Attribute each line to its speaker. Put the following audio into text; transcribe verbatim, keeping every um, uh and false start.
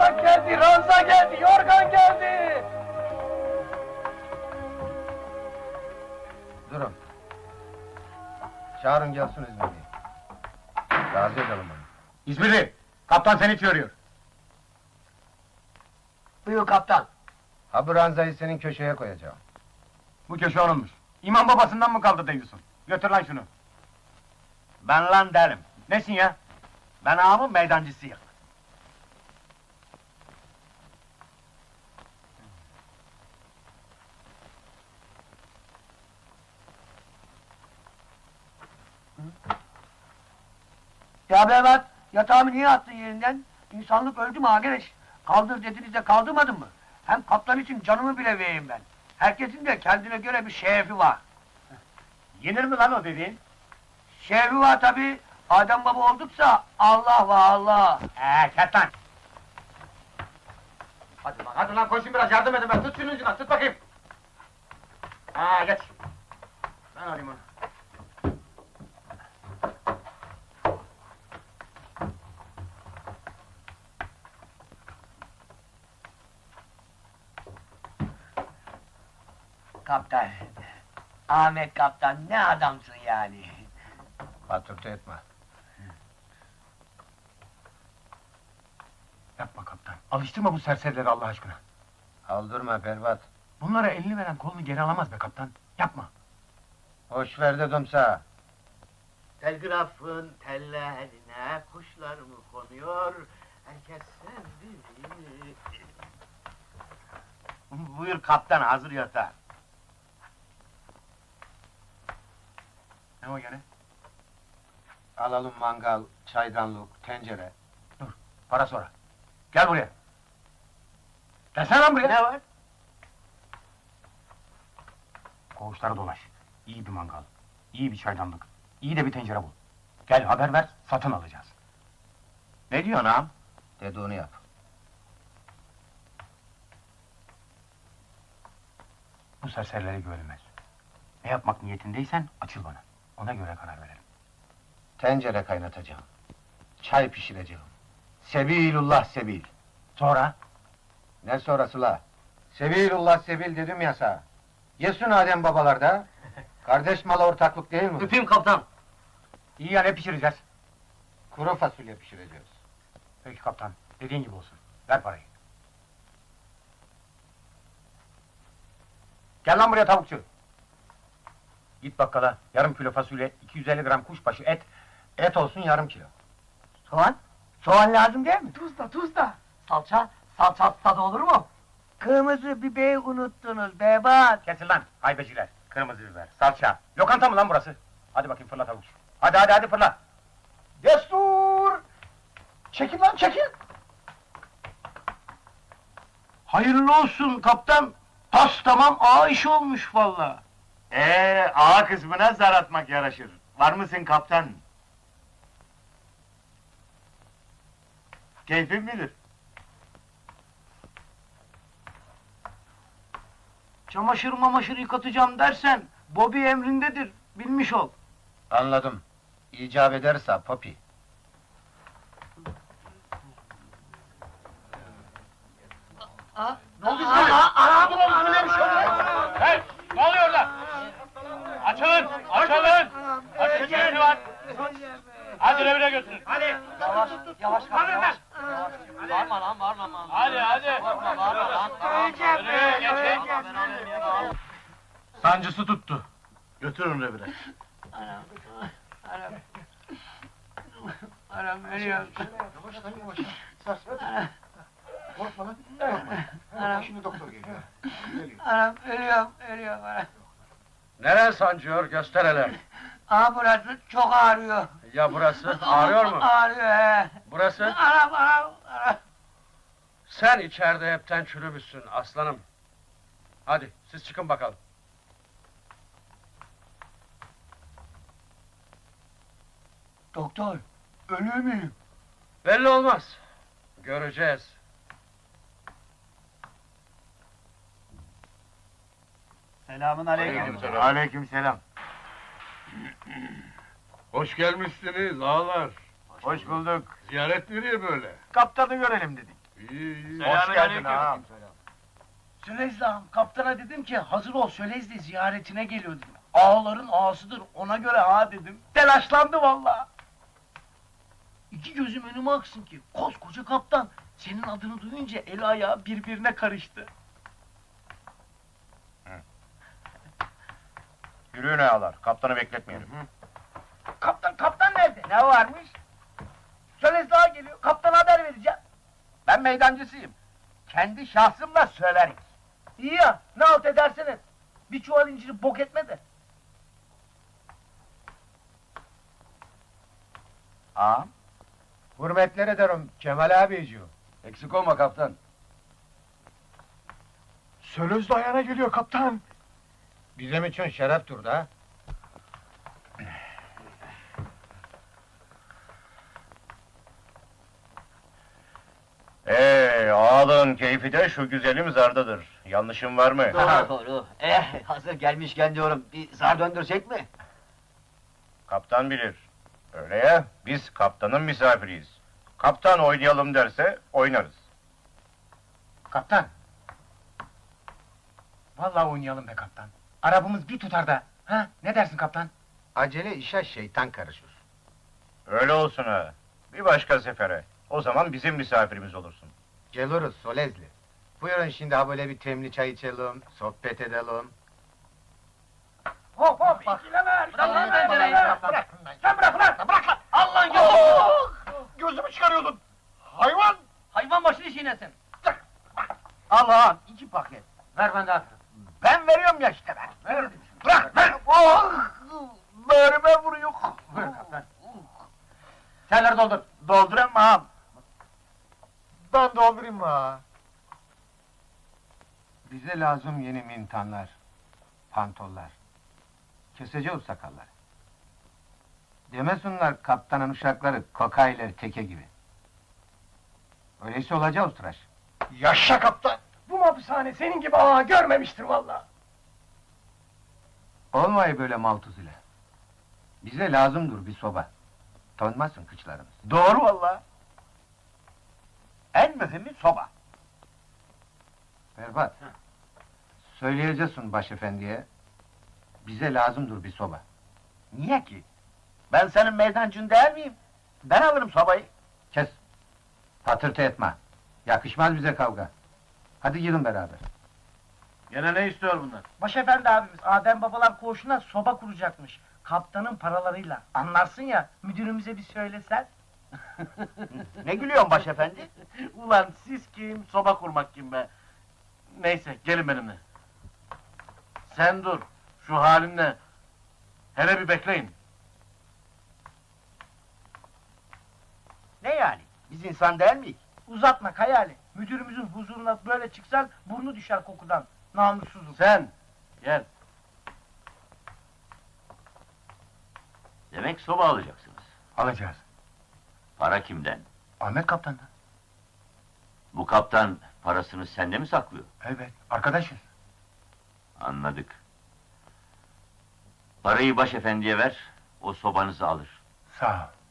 Speaker 1: Yatak geldi, ranza geldi, yorgan geldi!
Speaker 2: Durun. Çağırın gelsin İzmirli'yi. Razı edelim onu.
Speaker 3: İzmirli, kaptan seni çağırıyor.
Speaker 1: Buyur kaptan.
Speaker 2: Ha bu ranzayı senin köşeye koyacağım.
Speaker 3: Bu köşe onunmuş. İmam babasından mı kaldı diyorsun? Götür lan şunu. Ben lan derim. Nesin ya? Ben ağamın meydancısıyım.
Speaker 1: Ya Bevat, yatağımı niye attın yerinden? İnsanlık öldü mü arkadaş? Kaldır dediniz de kaldırmadın mı? Hem kaptan için canımı bile vereyim ben. Herkesin de kendine göre bir şerefi var.
Speaker 3: Yenir mi lan o dediğin?
Speaker 1: Şerefi var tabii. Adem baba olduksa Allah var Allah.
Speaker 3: Eee kes lan! Hadi lan, hadi lan koşun biraz yardım edin ben. Tut şunun ucundan, tut bakayım. Ha geç. Ben alayım onu.
Speaker 1: Kaptan. Ahmet kaptan ne adamsın yani.
Speaker 2: Patırtı etme.
Speaker 3: Yapma kaptan, alıştırma bu serserileri Allah aşkına.
Speaker 2: Aldırma Pervat.
Speaker 3: Bunlara elini veren kolunu geri alamaz be kaptan. Yapma.
Speaker 2: Hoş ver dedim sana.
Speaker 4: Telgrafın tellerine kuşlar mı konuyor? Herkes sevdi. Buyur kaptan, hazır yatağı.
Speaker 3: Ne o gene?
Speaker 2: Alalım mangal, çaydanlık, tencere.
Speaker 3: Para sonra. Gel buraya. Gelsene lan buraya.
Speaker 4: Ne var?
Speaker 3: Koğuşlara dolaş. İyi bir mangal, iyi bir çaydanlık, iyi de bir tencere bul. Gel haber ver, satın alacağız.
Speaker 4: Ne diyorsun ağam?
Speaker 2: Dediğini yap.
Speaker 3: Bu serserilere güvenilmez. Ne yapmak niyetindeysen açıl bana. Ona göre karar verelim.
Speaker 2: Tencere kaynatacağım. Çay pişireceğim. Sebilullah sebil.
Speaker 3: Sonra?
Speaker 2: Ne sonrası la? Sebilullah sebil dedim ya sana. Yesun Adem babalarda. Kardeş mala ortaklık değil mi?
Speaker 1: Öpeyim kaptan.
Speaker 3: İyi ya ne pişireceğiz?
Speaker 2: Kuru fasulye pişireceğiz.
Speaker 3: Peki kaptan, dediğin gibi olsun. Ver parayı. Gel lan buraya tavukçu. Git bakkala, yarım kilo fasulye, iki yüz elli gram kuşbaşı et.
Speaker 2: Et olsun yarım kilo.
Speaker 1: Soğan? Soğan lazım değil mi?
Speaker 5: Tuz da, tuz da.
Speaker 1: Salça? Salça tadı olur mu? Kırmızı biberi unuttunuz Bebat.
Speaker 3: Kesin lan, haybeciler. Kırmızı biber, salça. Lokanta mı lan burası? Hadi bakayım fırla tavukçu. Hadi hadi hadi fırla.
Speaker 5: Destur! Çekil lan çekil!
Speaker 4: Hayırlı olsun kaptan. Pas tamam, ağa iş olmuş valla. Ee, ağa kısmına zar atmak yaraşır. Var mısın kaptan? Keyfin midir? Çamaşır mamaşır yıkatacağım dersen, Bobby emrindedir, bilmiş ol.
Speaker 2: Anladım. İcap ederse Popi.
Speaker 3: Ne oldu İzmirli? Hey, ne oluyor orada? Açılın, açılın! Açın, kimisi var? Hadi revire götürün. Hadi!
Speaker 1: Yavaş, yavaş kaptan, yavaş. Bağırma lan, bağırma lan.
Speaker 3: Hadi, hadi!
Speaker 1: Bağırma, bağırma lan.
Speaker 3: Yürü, geçin! Sancısı tuttu.
Speaker 4: Götürün revire.
Speaker 1: Anam, anam. Anam ölüyorum.
Speaker 5: Yavaş lan yavaş. Sars hadi. Korkma lan. Korkma. Şimdi doktor geliyor. Geliyor.
Speaker 1: Anam ölüyorum, ölüyorum anam.
Speaker 2: Neren sancıyor göster hele.
Speaker 1: Aa burası çok ağrıyor.
Speaker 2: Ya burası ağrıyor mu?
Speaker 1: Ağrıyor he.
Speaker 2: Burası?
Speaker 1: Anam, anam, anam.
Speaker 2: Sen içeride hepten çürümüşsün aslanım. Hadi siz çıkın bakalım.
Speaker 1: Doktor, ölür müyüm?
Speaker 2: Belli olmaz. Göreceğiz.
Speaker 1: Selamun aleyküm.
Speaker 4: Aleyküm selam.
Speaker 6: Hoş gelmişsiniz ağalar.
Speaker 4: Hoş bulduk.
Speaker 6: Ziyaret nereye böyle?
Speaker 4: Kaptanı görelim dedik.
Speaker 3: Hoş geldin ağam.
Speaker 4: Sölezli ağam, kaptana dedim ki hazır ol Sölezli ziyaretine geliyor dedim. Ağaların ağasıdır ona göre ha dedim. Telaşlandı vallahi. İki gözüm önüme aksın ki koskoca kaptan senin adını duyunca el ayağı birbirine karıştı.
Speaker 3: Yürüyün ağalar, kaptanı bekletmeyelim.
Speaker 4: Kaptan kaptan nerede? Ne varmış? Sölezli ağa geliyor kaptana haber vereceğim.
Speaker 3: Ben meydancısıyım. Kendi şahsımla söylerim.
Speaker 4: İyi ya ne halt edersen et. Bir çuval inciri bok etme de.
Speaker 3: Ağam,
Speaker 2: Hürmetler ederim Kemal abiciğim.
Speaker 3: eksik olma kaptan.
Speaker 5: Sölözlü ayağına geliyor kaptan.
Speaker 2: Bizim için şereftir da.
Speaker 3: Ee, ağalığın keyfi de şu güzelim zardadır. Yanlışım var mı?
Speaker 6: Doğru doğru. Eh, hazır gelmişken diyorum, bir zar döndürsek mi?
Speaker 3: Kaptan bilir. Öyle ya, biz kaptanın misafiriyiz. Kaptan oynayalım derse oynarız.
Speaker 2: Kaptan. Vallahi oynayalım be kaptan. Arabamız bir tutar da. Ha, ne dersin kaptan? Acele işe şeytan karışır.
Speaker 3: Öyle olsun ha. Bir başka sefere. O zaman bizim misafirimiz olursun.
Speaker 2: Geliriz Solezli. Buyurun şimdi ha böyle bir temli çay içelim, sohbet edelim.
Speaker 4: Hop hop ikileme.
Speaker 2: Bırak lan beni.
Speaker 4: Bırak. Sen bırak lan. Bırak lan. Allah'ın yolu.
Speaker 5: Gözümü çıkarıyordun. Hayvan!
Speaker 4: Hayvan başını çiğnesin.
Speaker 3: Al ağam, iki paket.
Speaker 2: Ver ben de atırım.
Speaker 3: Ben veriyorum ya işte ben.
Speaker 2: Ver.
Speaker 3: Bırak, ver. Oh! Böğrüme vuruyor.
Speaker 2: Buyur kaptan. Çayları doldur.
Speaker 3: Doldurayım mı ağam?
Speaker 5: Ben doldurayım mı ha?
Speaker 2: Bize lazım yeni mintanlar, pantollar. Keseceğiz sakalları. Demesinler kaptanın uşakları kokayler teke gibi. Öyleyse olacağız tıraş.
Speaker 5: Yaşa kaptan!
Speaker 4: Bu hapishane senin gibi ağa görmemiştir vallahi.
Speaker 2: Olmayı böyle maltuz ile. Bize lazımdır bir soba. Tonmasın kıçlarımız.
Speaker 3: Doğru vallahi. En mühimi soba.
Speaker 2: Berbat. Söyleyeceksin başefendiye. Bize lazımdır bir soba.
Speaker 3: Niye ki? Ben senin meydancın değil miyim? Ben alırım sobayı.
Speaker 2: Kes. Patırtı etme. Yakışmaz bize kavga. Hadi gidin beraber.
Speaker 3: Gene ne istiyor bunlar?
Speaker 4: Başefendi abimiz Adem babalar koğuşuna soba kuracakmış. Kaptanın paralarıyla. Anlarsın ya müdürümüze bir söylesen.
Speaker 3: Ne gülüyorsun başefendi?
Speaker 4: Ulan siz kim, soba kurmak kim be? Neyse, gelin benimle. Sen dur, şu halinle. Hele bir bekleyin.
Speaker 3: Ne yani? Biz insan değil miyiz?
Speaker 4: Uzatma Kayali. Müdürümüzün huzuruna böyle çıksan burnu düşer kokudan. Namussuzum.
Speaker 3: Sen, gel.
Speaker 6: Demek soba alacaksınız.
Speaker 2: Alacağız.
Speaker 6: Para kimden?
Speaker 2: Ahmet kaptandan.
Speaker 6: Bu kaptan parasını sende mi saklıyor?
Speaker 2: Evet, arkadaşız.
Speaker 6: Anladık. Parayı başefendiye ver, o sobanızı alır.
Speaker 2: Sağ ol.